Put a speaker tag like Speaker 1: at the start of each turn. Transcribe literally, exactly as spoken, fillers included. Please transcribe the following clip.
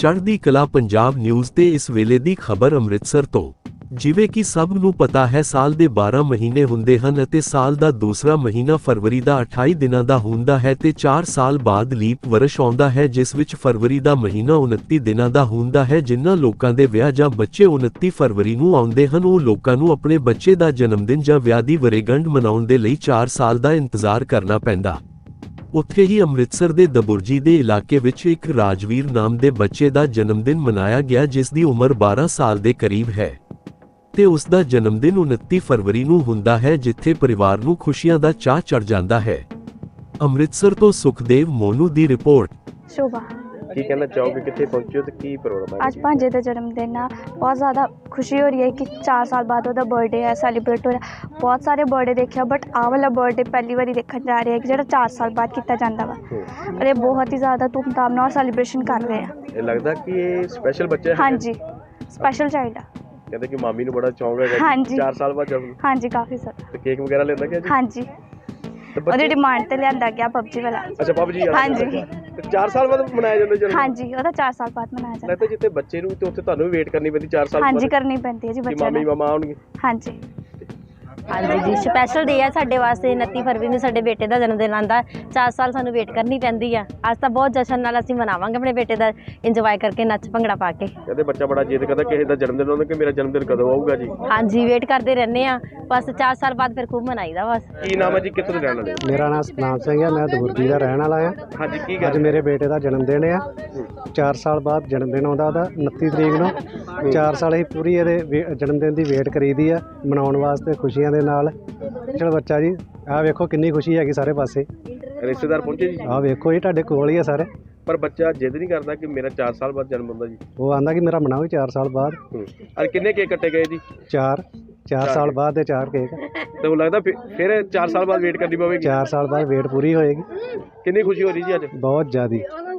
Speaker 1: ਚੜ੍ਹਦੀ ਕਲਾ ਪੰਜਾਬ ਨਿਊਜ਼ ਤੇ ਇਸ ਵੇਲੇ ਦੀ ਖਬਰ ਅੰਮ੍ਰਿਤਸਰ ਤੋਂ। ਜਿਵੇਂ ਕਿ ਸਭ ਨੂੰ ਪਤਾ ਹੈ, ਸਾਲ ਦੇ ਬਾਰਾਂ ਮਹੀਨੇ ਹੁੰਦੇ ਹਨ ਅਤੇ ਸਾਲ ਦਾ ਦੂਸਰਾ ਮਹੀਨਾ ਫਰਵਰੀ ਦਾ ਅਠਾਈ ਦਿਨਾਂ ਦਾ ਹੁੰਦਾ ਹੈ ਤੇ ਚਾਰ ਸਾਲ ਬਾਅਦ ਲੀਪ ਵਰਸ਼ ਆਉਂਦਾ ਹੈ, ਜਿਸ ਵਿੱਚ ਫਰਵਰੀ ਦਾ ਮਹੀਨਾ ਉਨੱਤੀ ਦਿਨਾਂ ਦਾ ਹੁੰਦਾ ਹੈ। ਜਿਨ੍ਹਾਂ ਲੋਕਾਂ ਦੇ ਵਿਆਹ ਜਾਂ ਬੱਚੇ ਉਨੱਤੀ ਫਰਵਰੀ ਨੂੰ ਆਉਂਦੇ ਹਨ, ਉਹ ਲੋਕਾਂ ਨੂੰ ਆਪਣੇ ਬੱਚੇ ਦਾ ਜਨਮਦਿਨ ਜਾਂ ਵਿਆਹ ਦੀ ਵਰ੍ਹੇਗੰਢ ਮਨਾਉਣ ਦੇ ਲਈ ਚਾਰ ਸਾਲ ਦਾ ਇੰਤਜ਼ਾਰ ਕਰਨਾ ਪੈਂਦਾ। ਉੱਥੇ ਹੀ ਅੰਮ੍ਰਿਤਸਰ ਦੇ ਦਬੁਰਜੀ ਦੇ ਇਲਾਕੇ ਵਿੱਚ ਇੱਕ ਰਾਜਵੀਰ ਨਾਮ ਦੇ ਬੱਚੇ ਦਾ ਜਨਮਦਿਨ ਮਨਾਇਆ ਗਿਆ, ਜਿਸ ਦੀ ਉਮਰ ਬਾਰਾਂ ਸਾਲ ਦੇ ਕਰੀਬ ਹੈ ਤੇ ਉਸ ਦਾ ਜਨਮਦਿਨ ਉਨੱਤੀ ਫਰਵਰੀ ਨੂੰ ਹੁੰਦਾ ਹੈ, ਜਿੱਥੇ ਪਰਿਵਾਰ ਨੂੰ ਖੁਸ਼ੀਆਂ ਦਾ ਚਾਅ ਚੜ੍ਹ ਜਾਂਦਾ ਹੈ। ਅੰਮ੍ਰਿਤਸਰ ਤੋਂ ਸੁਖਦੇਵ ਮੋਨੂ ਦੀ ਰਿਪੋਰਟ।
Speaker 2: ਸ਼ੋਭਾ,
Speaker 3: ਕੀ ਕਹਿਣਾ ਚਾਹੋਗੇ, ਕਿੱਥੇ ਪਹੁੰਚੇ ਹੋ ਤੇ ਕੀ ਪ੍ਰੋਗਰਾਮ ਹੈ?
Speaker 2: ਅੱਜ ਭਾਂਜੇ ਦਾ ਜਨਮ ਦਿਨ ਆ। ਬਹੁਤ ਜ਼ਿਆਦਾ ਖੁਸ਼ੀ ਹੋ ਰਹੀ ਹੈ ਕਿ ਚਾਰ ਸਾਲ ਬਾਅਦ ਉਹਦਾ ਬਰਥਡੇ ਹੈ, ਸੈਲੀਬ੍ਰੇਟ ਹੋ ਰਿਹਾ। ਬਹੁਤ ਸਾਰੇ ਬਰਥਡੇ ਦੇਖਿਆ, ਬਟ ਆਹ ਵਾਲਾ ਬਰਥਡੇ ਪਹਿਲੀ ਵਾਰੀ ਦੇਖਣ ਜਾ ਰਹੇ ਹਾਂ ਕਿ ਜਿਹੜਾ ਚਾਰ ਸਾਲ ਬਾਅਦ ਕੀਤਾ ਜਾਂਦਾ ਵਾ। ਔਰ ਇਹ ਬਹੁਤ ਹੀ ਜ਼ਿਆਦਾ ਧੂਮਧਾਮ ਨਾਲ ਸੈਲੀਬ੍ਰੇਸ਼ਨ ਕਰ ਰਹੇ ਆ।
Speaker 3: ਇਹ ਲੱਗਦਾ ਕਿ ਇਹ ਸਪੈਸ਼ਲ ਬੱਚਾ ਹੈ?
Speaker 2: ਹਾਂਜੀ, ਸਪੈਸ਼ਲ ਚਾਈਲਡ ਆ।
Speaker 3: ਕਹਿੰਦੇ ਕਿ ਮਾਮੀ ਨੂੰ ਬੜਾ ਚੌਂਕ ਹੈਗਾ
Speaker 2: ਹਾਂਜੀ।
Speaker 3: ਚਾਰ ਸਾਲ ਬਾਅਦ ਜਨਮ।
Speaker 2: ਹਾਂਜੀ, ਕਾਫੀ ਜ਼ਿਆਦਾ।
Speaker 3: ਤੇ ਕੇਕ ਵਗੈਰਾ ਲੈਂਦਾ ਗਿਆ ਜੀ?
Speaker 2: ਹਾਂਜੀ,
Speaker 3: ਤੇ
Speaker 2: ਉਹਦੀ
Speaker 3: ਬੱਚੇ
Speaker 2: ਡਿਮਾਂਡ ਤੇ ਲਿਆਂਦਾ ਗਿਆ ਪਬਜੀ ਵਾਲਾ।
Speaker 3: ਅੱਛਾ, ਪਬਜੀ
Speaker 2: ਹਾਂਜੀ।
Speaker 3: ਤੇ ਚਾਰ ਸਾਲ ਬਾਅਦ ਮਨਾਇਆ ਜਾਂਦਾ ਜਨਮ?
Speaker 2: ਹਾਂਜੀ, ਉਹਦਾ ਚਾਰ ਸਾਲ ਬਾਅਦ ਮਨਾਇਆ ਜਾਂਦਾ।
Speaker 3: ਲੱਗਦਾ ਜਿੱਥੇ ਬੱਚੇ ਨੂੰ ਤੇ ਉੱਥੇ ਤੁਹਾਨੂੰ ਵੀ ਵੇਟ ਕਰਨੀ ਪੈਂਦੀ ਚਾਰ ਸਾਲ
Speaker 2: ਹਾਂਜੀ,
Speaker 3: ਬਾਅਦ?
Speaker 2: ਕਰਨੀ ਪੈਂਦੀ ਹੈ ਜੀ
Speaker 3: ਕਿ
Speaker 2: ਬੱਚਿਆਂ
Speaker 3: ਮਾਮੀ
Speaker 2: ਨੂੰ।
Speaker 3: ਮਾਮਾ ਆਉਣਗੇ?
Speaker 2: ਹਾਂਜੀ
Speaker 4: ਹਾਂਜੀ ਜੀ, ਸਪੈਸ਼ਲ ਡੇ ਹੈ ਸਾਡੇ ਵਾਸਤੇ। ਉਨੱਤੀ ਫਰਵਰੀ ਨੂੰ ਸਾਡੇ ਬੇਟੇ ਦਾ ਜਨਮ ਦਿਨ ਆਉਂਦਾ। ਚਾਰ ਸਾਲ ਸਾਨੂੰ ਵੇਟ ਕਰਨੀ ਪੈਂਦੀ ਆ। ਅੱਜ ਤਾਂ ਬਹੁਤ ਜਸ਼ਨ ਨਾਲ ਅਸੀਂ ਮਨਾਵਾਂਗੇ ਆਪਣੇ ਬੇਟੇ ਦਾ, ਇੰਜੋਏ ਕਰਕੇ, ਨੱਚ ਭੰਗੜਾ ਪਾ ਕੇ।
Speaker 3: ਕਹਿੰਦੇ ਬੱਚਾ ਬੜਾ ਜਿੱਦ ਕਰਦਾ ਕਿਸੇ ਦਾ ਜਨਮ ਦਿਨ ਆਉਂਦਾ ਕਿ ਮੇਰਾ ਜਨਮ ਦਿਨ ਕਦੋਂ ਆਊਗਾ ਜੀ।
Speaker 4: ਹਾਂਜੀ, ਵੇਟ ਕਰਦੇ ਰਹਿੰਦੇ ਆ ਬਸ। ਚਾਰ ਸਾਲ ਬਾਅਦ ਫਿਰ ਖੂਬ ਮਨਾਈਦਾ ਬਸ।
Speaker 3: ਕੀ ਨਾਮ ਹੈ ਜੀ, ਕਿੱਥੋਂ ਦੇ ਰਹਿਣ ਵਾਲੇ?
Speaker 5: ਮੇਰਾ ਨਾਮ ਸਤਨਾਮ ਸਿੰਘ ਹੈ, ਮੈਂ ਦਬੁਰਜੀ ਦਾ ਰਹਿਣ ਵਾਲਾ ਹਾਂ।
Speaker 3: ਹਾਂਜੀ, ਕੀ
Speaker 5: ਅੱਜ
Speaker 3: ਗੱਲ?
Speaker 5: ਮੇਰੇ ਬੇਟੇ ਦਾ ਜਨਮ ਦਿਨ ਆ। ਚਾਰ ਸਾਲ ਬਾਅਦ ਜਨਮ ਦਿਨ ਆਉਂਦਾ ਉਹਦਾ, ਉਨੱਤੀ ਤਰੀਕ ਨੂੰ। ਚਾਰ ਸਾਲ ਅਸੀਂ ਪੂਰੀ ਇਹਦੇ ਜਨਮ ਦਿਨ ਦੀ ਵੇਟ ਕਰੀਦੀ ਆ, ਮਨਾਉਣ ਵਾਸਤੇ ਖੁਸ਼ੀਆਂ ਦੇ ਨਾਲ। ਚਲ ਬੱਚਾ ਜੀ, ਆਹ ਵੇਖੋ ਕਿੰਨੀ ਖੁਸ਼ੀ ਹੈਗੀ ਸਾਰੇ ਪਾਸੇ।
Speaker 3: ਰਿਸ਼ਤੇਦਾਰ ਪਹੁੰਚੇ ਜੀ?
Speaker 5: ਆਹ ਵੇਖੋ ਜੀ, ਤੁਹਾਡੇ ਕੋਲ ਹੀ ਆ ਸਾਰੇ।
Speaker 3: ਪਰ ਬੱਚਾ ਜਿੱਦ ਨਹੀਂ ਕਰਦਾ ਕਿ ਮੇਰਾ ਚਾਰ ਸਾਲ ਬਾਅਦ ਜਨਮ ਹੁੰਦਾ ਜੀ?
Speaker 5: ਉਹ ਆਂਦਾ ਕਿ ਮੇਰਾ ਮਨਾਓ ਚਾਰ ਸਾਲ ਬਾਅਦ।
Speaker 3: ਅਰੇ ਕਿੰਨੇ ਕੇਕ ਕੱਟੇ ਗਏ ਜੀ?
Speaker 5: ਚਾਰ ਚਾਰ ਸਾਲ ਬਾਅਦ ਦੇ ਚਾਰ ਕੇਕ।
Speaker 3: ਤੇ ਉਹ ਲੱਗਦਾ ਫਿਰ- ਫਿਰ ਚਾਰ ਸਾਲ ਬਾਅਦ ਵੇਟ ਕਰਨੀ ਪਵੇਗੀ?
Speaker 5: ਚਾਰ ਸਾਲ ਬਾਅਦ ਵੇਟ ਪੂਰੀ ਹੋਏਗੀ।
Speaker 3: ਕਿੰਨੀ ਖੁਸ਼ੀ ਹੋ ਰਹੀ ਜੀ ਅੱਜ?
Speaker 5: ਬਹੁਤ ਜ਼ਿਆਦੀ।